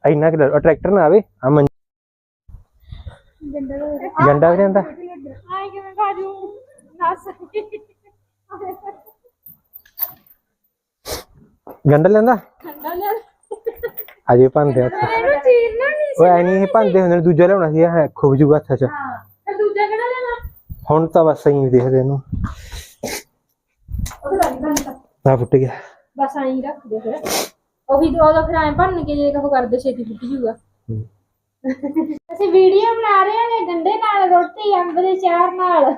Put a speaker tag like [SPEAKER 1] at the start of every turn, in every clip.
[SPEAKER 1] ਇੰਨਾ ਕਿ ਟਰੈਕਟਰ ਨਾ ਆਵੇ ਆ ਗੰਡਾ ਵੀ ਰਹਿੰਦਾ ਗੰਡਾ ਲੈਂਦਾ ਅਜੇ ਭੰਦੇ ਉਹ ਐ ਨਹੀਂ ਭੰਦੇ ਹੁੰਦੇ ਦੂਜਾ ਲਿਆਉਣਾ ਸੀ ਹੈ ਖੁੱਬ ਜੂਗਾ ਹੱਥ ਚ ਹੁਣ ਤਾਂ ਬਸ ਐਂ ਦੇਖਦੇ ਇਹਨੂੰ ਆ ਫੁੱਟ ਗਿਆ
[SPEAKER 2] ਬਸ ਐਂ ਰੱਖ ਦੇ ਫਿਰ ਉਹੀ ਦੋ ਫਿਰ ਐਂ ਭੰਨ ਕੇ ਜੇ ਕਹੋ ਕਰਦੇ ਛੇਤੀ ਫੁੱਟ ਜੂਗਾ ਅਸੀਂ ਵੀਡੀਓ ਬਣਾ ਰਹੇ ਹਾਂ ਗੰਡੇ ਨਾਲ ਰੋਟੀ ਅੰਬ ਦੇ ਚਾਰ ਨਾਲ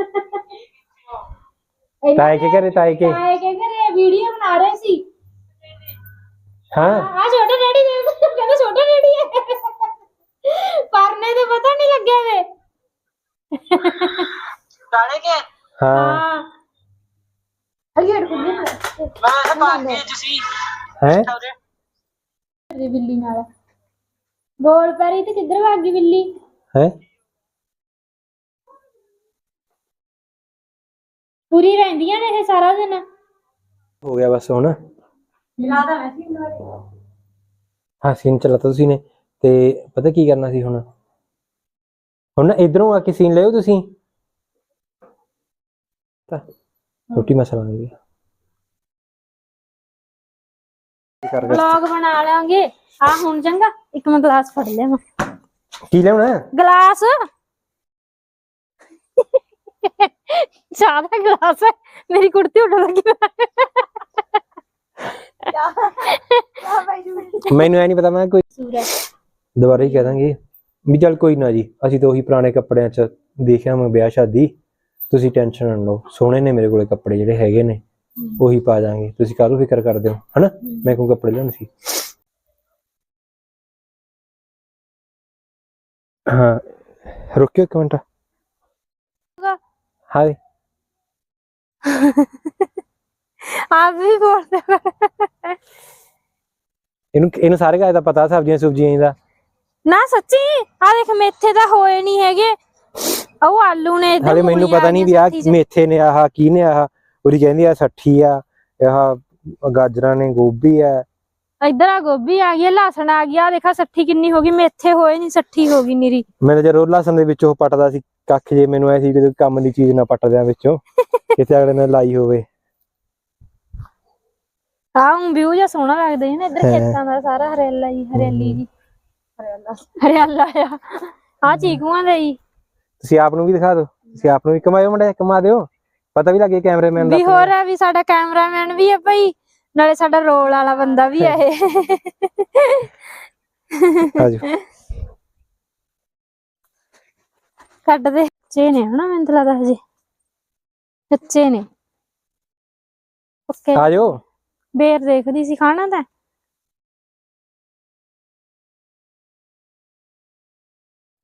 [SPEAKER 1] ਤਾਏ ਕੇ ਘਰੇ
[SPEAKER 2] ਵੀਡੀਓ ਬਣਾ ਰਹੇ ਸੀ
[SPEAKER 1] ਹਾਂ
[SPEAKER 2] ਆ ਛੋਟੇ ਡੈਡੀ ਦੇ ਕਹਿੰਦੇ ਛੋਟੇ ਡੈਡੀ ਹੈ ਪਰਨੇ ਤੇ ਪਤਾ ਨਹੀਂ ਲੱਗਿਆ ਵੇ
[SPEAKER 3] ਡਾਲੇ ਕੇ
[SPEAKER 1] ਹਾਂ
[SPEAKER 2] ਅਲੀਅਰ ਕੁੱਲੀ
[SPEAKER 3] ਮੈਂ ਬਾਕੀ ਤੁਸੀਂ
[SPEAKER 1] ਹੈ
[SPEAKER 2] ਬਿੱਲੀ ਨਾਲ ਬੋਲ ਪਰੀ ਤੇ ਕਿੱਧਰ ਭੱਜ ਗਈ ਬਿੱਲੀ
[SPEAKER 1] ਹੈ
[SPEAKER 2] ਪੂਰੀ ਰਹਿੰਦੀਆਂ ਨੇ ਇਹ ਸਾਰਾ ਦਿਨ
[SPEAKER 1] ਹੋ ਗਿਆ ਬਸ ਹੁਣ
[SPEAKER 2] ਮਿਲਾਦਾ ਮੈਂ ਸੀ
[SPEAKER 1] ਹਾਂ ਸੀਨ ਚਲਾਤਾ ਤੁਸੀਂ ਨੇ ਤੇ ਪਤਾ ਕੀ ਕਰਨਾ ਸੀ ਹੁਣ ਨਾ ਇਧਰੋਂ ਆ ਕੇ ਸੀਨ ਲਿਓ ਤੁਸੀਂ ਤਾਂ ਰੋਟੀ ਮਸਾਲਾ ਨਹੀਂ
[SPEAKER 2] ਵਲੌਗ ਬਣਾ ਲਾਂਗੇ ਆ ਹੁਣ ਚੰਗਾ ਇੱਕ ਮੈਂ ਗਲਾਸ ਫੜ ਲਿਆ
[SPEAKER 1] ਕੀ ਲਿਆਉਣਾ
[SPEAKER 2] ਗਲਾਸ ਚਾਹ ਦਾ ਗਲਾਸ ਹੈ ਮੇਰੀ ਕੁੜਤੀ ਉੱਡ ਲੱਗੀ
[SPEAKER 1] ਮੈਨੂੰ ਐ ਨਹੀਂ ਪਤਾ ਮੈਂ ਕੋਈ ਦੁਬਾਰਾ ਹੀ ਕਹਿ ਦਾਂਗੇ ਵੀ ਚੱਲ ਕੋਈ ਨਾ ਜੀ ਅਸੀਂ ਤਾਂ ਉਹੀ ਪੁਰਾਣੇ ਕੱਪੜਿਆਂ 'ਚ ਦੇਖਿਆ ਮੈਂ ਵਿਆਹ ਸ਼ਾਦੀ ਤੁਸੀਂ ਟੈਨਸ਼ਨ ਨਾ ਲਓ ਸੋਹਣੇ ਨੇ ਮੇਰੇ ਕੋਲੇ ਕੱਪੜੇ ਜਿਹੜੇ ਹੈਗੇ ਨੇ ਉਹੀ ਪਾ ਜਾਾਂਗੇ ਤੁਸੀਂ ਕਾਹਨੂੰ ਫਿਕਰ ਕਰਦੇ ਹੋ ਹਨਾ ਮੈਂ ਕੋਈ ਕੱਪੜੇ ਲਿਆਉਣੇ ਸੀ ਹਾਂ ਰੁਕਿਓ ਇੱਕ ਮਿੰਟ ਹਾਏ
[SPEAKER 2] ਆਪ ਵੀ ਬੋਲਦੇ
[SPEAKER 1] ਇਹਨੂੰ ਸਾਰੇ ਗੱਲ ਦਾ ਪਤਾ ਸਬਜ਼ੀਆਂ ਦਾ
[SPEAKER 2] ਨਾ ਸੱਚੀ ਆ ਦੇਖ ਮੇਥੇ ਤਾਂ ਹੋਏ ਨਹੀਂ ਹੈਗੇ ਉਹ ਆਲੂ ਨੇ
[SPEAKER 1] ਹਾਲੇ ਮੈਨੂੰ ਪਤਾ ਨਹੀਂ ਵੀ ਆ ਮੇਥੇ ਨੇ ਆਹ ਕੀ ਨੇ ਆਹ ਉਹਦੀ ਕਹਿੰਦੀ ਆ 60 ਆ ਆਹ ਗਾਜਰਾਂ ਨੇ ਗੋਭੀ ਆ
[SPEAKER 2] ਇੱਧਰ ਆ ਗੋਭੀ ਆ ਗਈ ਲਸਣ ਆ ਗਿਆ ਦੇਖਾ 60 ਕਿੰਨੀ ਹੋ ਗਈ ਮੇਥੇ ਹੋਏ ਨਹੀਂ 60 ਹੋ ਗਈ ਨੀਰੀ
[SPEAKER 1] ਮੈਂ ਤਾਂ ਜਦੋਂ ਲਸਣ ਦੇ ਵਿੱਚੋਂ ਪੱਟਦਾ ਸੀ ਕੱਖ ਜੇ ਮੈਨੂੰ ਐ ਸੀ ਕਿ ਕੰਮ ਦੀ ਚੀਜ਼ ਨਾ ਪੱਟ ਦਿਆਂ ਵਿੱਚੋਂ ਕਿਤੇ ਅਗਲੇ ਨੇ ਲਾਈ ਹੋਵੇ
[SPEAKER 2] ਆਹ ਵਿਊ ਜਿਹਾ ਸੋਹਣਾ ਲੱਗਦਾ ਹੈ ਨਾ ਇੱਧਰ ਖੇਤਾਂ ਦਾ ਸਾਰਾ ਹਰਿਆਲਾ ਹੀ ਹਰਿਆਲੀ ਜੀ ਹਰਿਆਲਾ ਆ ਚੀਕੂਆਂ ਦਾ ਹੀ
[SPEAKER 1] ਤੁਸੀਂ ਆਪ ਨੂੰ ਵੀ ਦਿਖਾ ਦਿਓ ਤੁਸੀਂ ਆਪ ਨੂੰ ਵੀ ਕਮਾਇਓ ਮੁੰਡੇ ਕਮਾ ਦਿਓ ਪਤਾ ਵੀ ਲੱਗੇ ਕੈਮਰਾਮੈਨ ਦਾ
[SPEAKER 2] ਵੀ ਹੋਰ ਆ ਵੀ ਸਾਡਾ ਕੈਮਰਾਮੈਨ ਵੀ ਹੈ ਭਾਈ ਨਾਲੇ ਸਾਡਾ ਰੋਲ ਵਾਲਾ ਬੰਦਾ ਵੀ ਹੈ ਇਹ
[SPEAKER 1] ਆਜੋ
[SPEAKER 2] ਕੱਢ ਦੇ ਕੱਚੇ ਨੇ ਹਨਾ ਮੈਨੂੰ ਤਾਂ ਲੱਗਦਾ ਹਜੇ ਕੱਚੇ ਨੇ ਓਕੇ
[SPEAKER 1] ਆਜੋ
[SPEAKER 2] ਬੇਰ ਦੇਖਦੀ ਸੀ ਖਾਣਾ ਤਾਂ